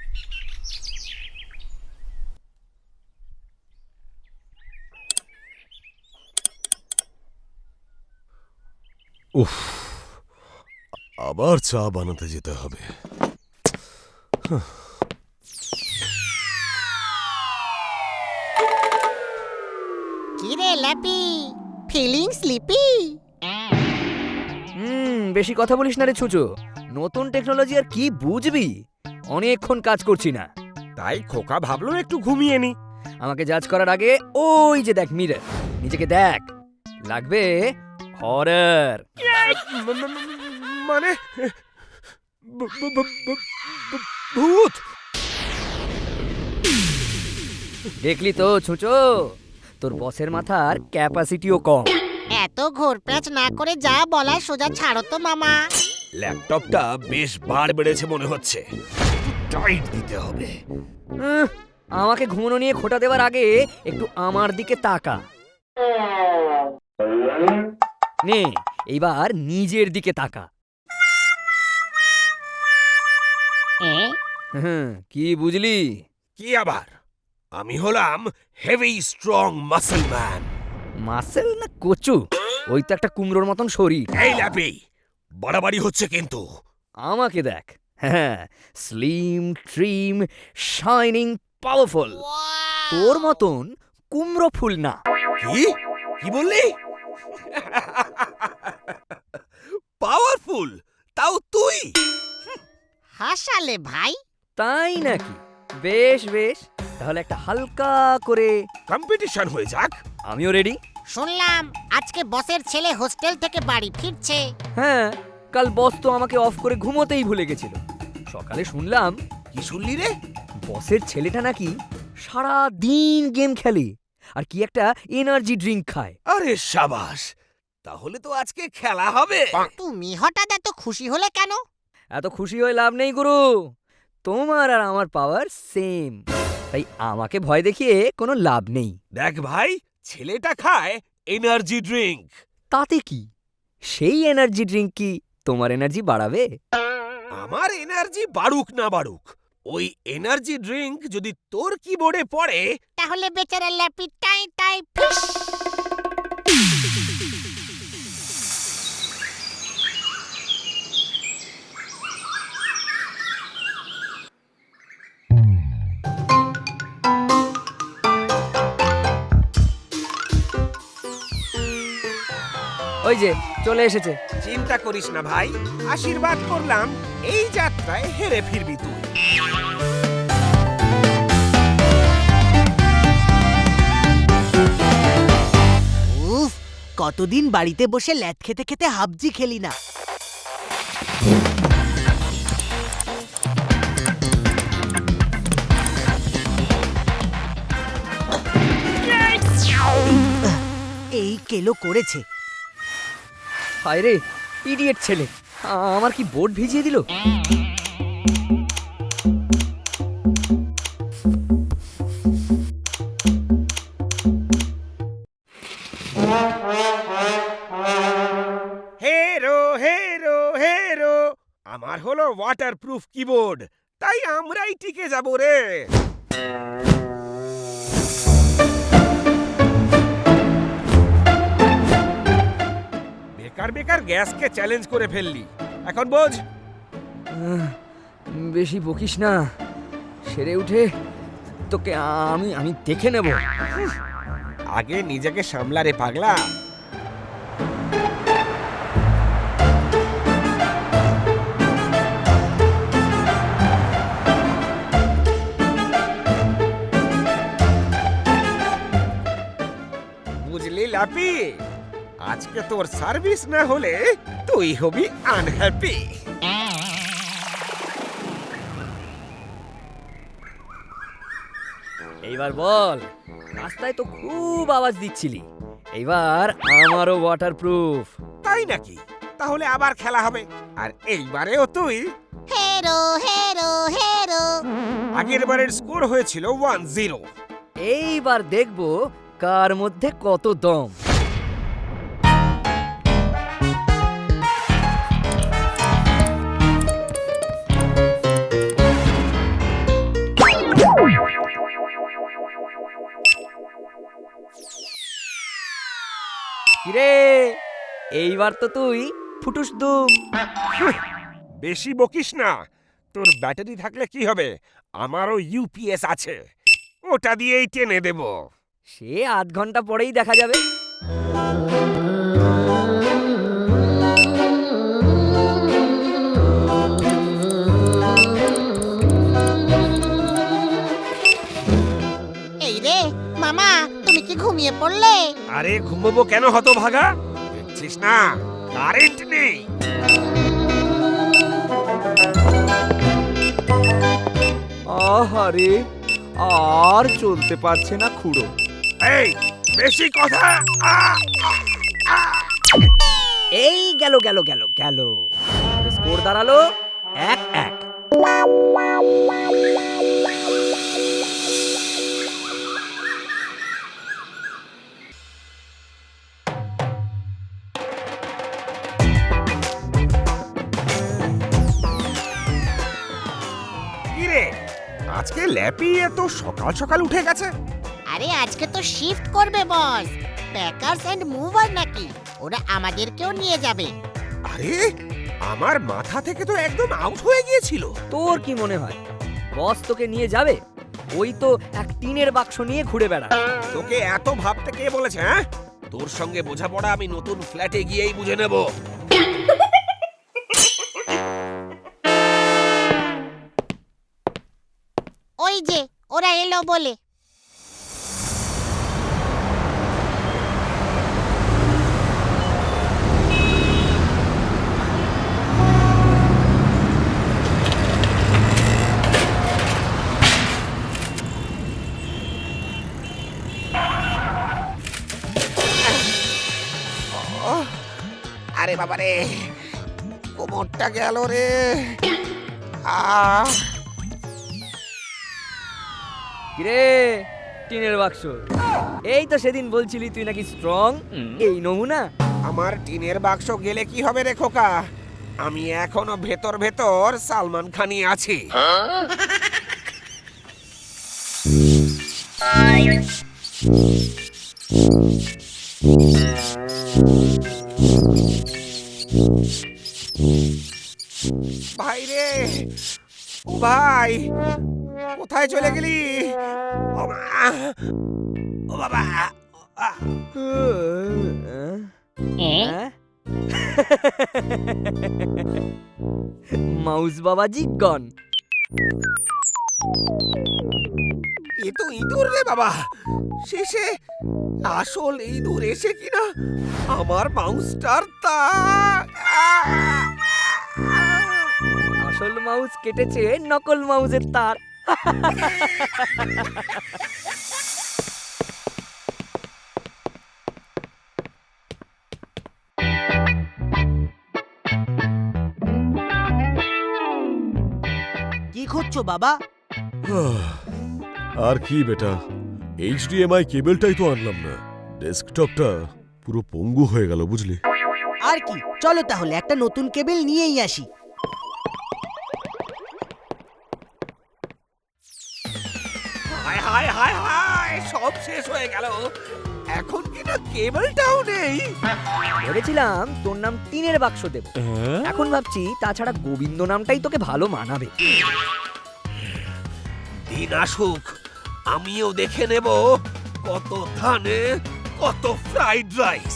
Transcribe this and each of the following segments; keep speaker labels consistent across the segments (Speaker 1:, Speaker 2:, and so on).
Speaker 1: উফ, আবার চা বানাতে যেতে হবে।
Speaker 2: কিরে ল্যাপি, ফিলিং স্লিপি?
Speaker 3: বেশি কথা বলিস না রে ছুচো। নতুন টেকনোলজি আর কি বুঝবি? অনেকক্ষণ কাজ করছি না,
Speaker 4: তাই খোকা ভাবলো একটু ঘুমিয়ে নি।
Speaker 3: আমাকে জাজ করার আগে ওই যে দেখ মিরর, নিজেকে দেখ, লাগবে হরর।
Speaker 4: মানে ভূত?
Speaker 3: দেখলি তো ছুচো, তোর বসের মাথার ক্যাপাসিটিও কম।
Speaker 2: এত ঘোরপ্যাচ না করে যা বলা সোজা ছাড়ো তো মামা।
Speaker 1: ল্যাপটপটা বেশ বার বেড়েছে মনে হচ্ছে, টাইট দিতে হবে।
Speaker 3: আমাকে ঘুমনো নিয়ে খোঁটা দেওয়ার আগে একটু আমার দিকে তাকা। নে এইবার নিজের দিকে তাকা। কি বুঝলি?
Speaker 1: কি আবার? আমি হলাম heavy strong muscle man.
Speaker 3: Muscle না কচু? ওই তো একটা কুমড়োর মতন শরীর।
Speaker 1: এই ল্যাপি, বাড়াবাড়ি হচ্ছে কিন্তু।
Speaker 3: আমাকে দেখ, হ্যাঁ, স্লিম ট্রিম শাইনিং পাওয়ারফুল। তোর মতন কুমড়ো ফুল না।
Speaker 1: কি কি বললি? পাওয়ারফুল? তাও তুই?
Speaker 2: হাসালে ভাই।
Speaker 3: তাই নাকি? বেশ বেশ, তাহলে একটা হালকা করে
Speaker 1: কম্পিটিশন হয়ে যাক।
Speaker 3: আমিও রেডি।
Speaker 2: শুনলাম আজকে বসের ছেলে হোস্টেল থেকে বাড়ি ফিরছে।
Speaker 3: হ্যাঁ, কাল বস তো আমাকে অফ করে ঘুমোতেই ভুলে গেছিল। সকালে শুনলাম
Speaker 1: কি শুনলি রে?
Speaker 3: বসের ছেলেটা নাকি সারা দিন গেম খেলে আর কি একটা এনার্জি ড্রিঙ্ক খায়।
Speaker 1: আরে সাবাস, তাহলে তো আজকে খেলা হবে।
Speaker 2: তুমি হঠাৎ এত খুশি হলে কেন?
Speaker 3: এত খুশি হয়ে লাভ নেই গুরু, তোমার আর আমার পাওয়ার সেম, তাই আমাকে ভয় দেখিয়ে কোনো লাভ নেই।
Speaker 1: দেখ ভাই, ছেলেটা খায় এনার্জি ড্রিঙ্ক।
Speaker 3: তাতে কি? সেই এনার্জি ড্রিঙ্ক কি তোমার এনার্জি বাড়াবে?
Speaker 1: আমার এনার্জি বাড়ুক না বাড়ুক, ওই এনার্জি ড্রিঙ্ক যদি তোর কিবোর্ডে পড়ে,
Speaker 2: তাহলে বেচারা ল্যাপি টাই টাই ফিস।
Speaker 3: ওই যে চলে এসেছে।
Speaker 4: চিন্তা করিস না ভাই, আশীর্বাদ করলাম এই যাত্রায় হেরে ফিরবি তুই।
Speaker 2: উফ, কতদিন বাড়িতে বসে ল্যাদ খেতে খেতে হাবজি খেলি না। এই কেলো করেছে।
Speaker 3: হায় রে, ইডিয়েট ছেলে, আমার কি বোর্ড ভিজিয়ে দিল।
Speaker 4: হেরো হেরো হেরো, আমার হলো ওয়াটারপ্রুফ কিবোর্ড, তাই আমরাই টিকে যাব রে। বেকার বেকার গ্যাসকে চ্যালেঞ্জ করে ফেললি, এখন বোঝ।
Speaker 3: বেশি বকিস না, সেরে উঠে তোকে আমি আমি দেখে নেব।
Speaker 4: আগে নিজেকে সামলা রে পাগলা। বুঝলি লাপি, আজকে তোর সার্ভিস না হলে তুই হবি আনহ্যাপি।
Speaker 3: এইবার বল, রাস্তায় তো খুব আওয়াজ দিচ্ছিলি, এইবার আমারও ওয়াটারপ্রুফ।
Speaker 4: তাই নাকি? তাহলে আবার খেলা হবে, আর এইবারেও তুই।
Speaker 2: হেরো হেরো হেরো।
Speaker 4: আগের বারের স্কোর হয়েছিল 1-0।
Speaker 3: এইবার দেখব কার মধ্যে কত দম। কিরে, এইবার তো তুই ফুটুস দুম।
Speaker 4: বেশি বকিস না। তোর ব্যাটারি থাকলে কি হবে, আমারও ইউপিএস আছে, ওটা দিয়েই টেনে দেব।
Speaker 3: সে আধ ঘন্টা পরেই দেখা যাবে।
Speaker 5: এই রে মামা, তুমি কি ঘুমিয়ে পড়লে?
Speaker 4: আরে ঘুমবো কেন হতভাগা, দেখছিস না কারেন্ট নেই।
Speaker 6: আহারে, আর চলতে পারছে না খুড়ো।
Speaker 4: এই বেশি কথা।
Speaker 3: এই গেল গেল গেল গেল, স্কোর দাঁড়ালো 1-1।
Speaker 4: কি রে, আজকে ল্যাপি এত সকাল সকাল উঠে গেছে?
Speaker 5: আরে আজকে তো শিফট করবে বস, প্যাকার্স এন্ড মুভার নাকি, ওরা আমাদেরকেও নিয়ে যাবে।
Speaker 4: আরে আমার মাথা থেকে তো একদম আউট হয়ে গিয়েছিল।
Speaker 3: তোর কি মনে হয় বস তোকে নিয়ে যাবে? ওই তো এক টিনের বাক্স নিয়ে ঘুরে বেড়া।
Speaker 4: তোকে এত ভাবতে কে বলেছে? হ্যাঁ, তোর সঙ্গে বোঝাপড়া আমি নতুন ফ্ল্যাটে গিয়েই বুঝে নেব।
Speaker 5: ওই যে ওরা এলো বলে।
Speaker 4: আরে বাবা রে, কোমরটা গেল রে। আহ
Speaker 3: কিরে টিনের বাক্স, এই তো সেদিন বলছিলি তুই নাকি স্ট্রং, এই নমুনা।
Speaker 4: আমার টিনের বাক্স গেলে কি হবে রে খোকা, আমি এখনো ভেতর ভেতর সালমান খানই আছি। ভাই রে, ও ভাই, কোথায় চলে গেলি? ও মা, ও বাবা,
Speaker 3: মাউস বাবাজি গন।
Speaker 4: এ তো ইঁদুর রে বাবা, শেষে আসল ইঁদুর এসে কিনা আমার মাউসটার তা।
Speaker 3: আসল মাউস কেটেছে নকল মাউসের তার।
Speaker 2: কি খুঁজছো বাবা?
Speaker 7: আর কি বেটা, এইচডিএমআই কেবলটাই তো আনলাম না, ডেস্কটপটা পুরো পঙ্গু হয়ে গেল বুঝলি।
Speaker 2: আর কি, চলো তাহলে একটা নতুন কেবল নিয়েই আসি।
Speaker 4: হায় হায় হায় হায়, সব শেষ হয়ে গেল, এখন কিনা কেবলটাও নেই।
Speaker 3: ভেবেছিলাম তোর নাম টিনের বাক্স দেব, এখন ভাবছি তাছাড়া গোবিন্দ নামটাই তোকে ভালো মানাবে।
Speaker 4: দিন আসুক, আমিও দেখে নেব কত ধানে কত ফ্রাইড রাইস।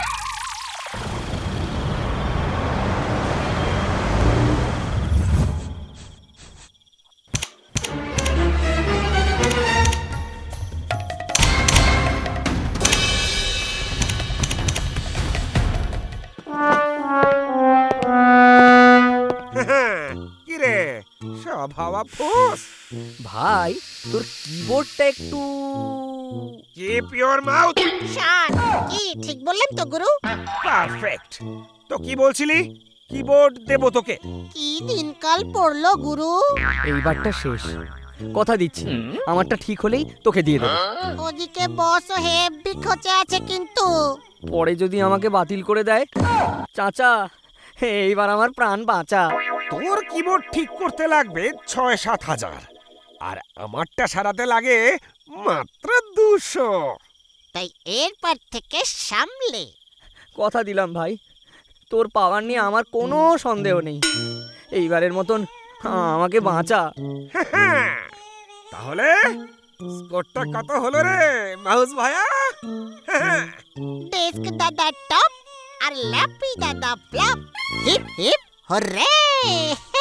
Speaker 4: কিরে, সব হাওয়া ফোস।
Speaker 3: ভাই তোর কিবোর্ডটা একটু
Speaker 4: কিপ ইওর মাউথ।
Speaker 5: শান, কি ঠিক বললেন তো গুরু?
Speaker 4: পারফেক্ট। তো কি বলছিলি, কিবোর্ড দেব তোকে?
Speaker 5: কি দিনকাল পড়লো গুরু।
Speaker 3: এইবারটা শেষ, কথা দিচ্ছি আমারটা ঠিক হলেই তোকে দিয়ে দেবো।
Speaker 5: ওদিকে বসও হেভি খোঁচে আছে কিন্তু।
Speaker 3: পরে যদি আমাকে বাতিল করে দেয়, চাচা এইবার আমার প্রাণ বাঁচা।
Speaker 4: তোর কিবোর্ড ঠিক করতে লাগবে ৬-৭ হাজার, আর আমারটা সারাতে লাগে মাত্র ২০০।
Speaker 5: তাই এরপর থেকে সামলে।
Speaker 3: কথা দিলাম ভাই, তোর পাওয়ার নিয়ে আমার কোনো সন্দেহ নেই। এইবারের মতন আমাকে বাঁচা।
Speaker 4: তাহলে স্কোরটা কত হলো রে মাউস ভায়া?
Speaker 5: ডেস্ক দাদা টপ আর ল্যাপি দাদা ফ্লপ। হিপ হিপ হরে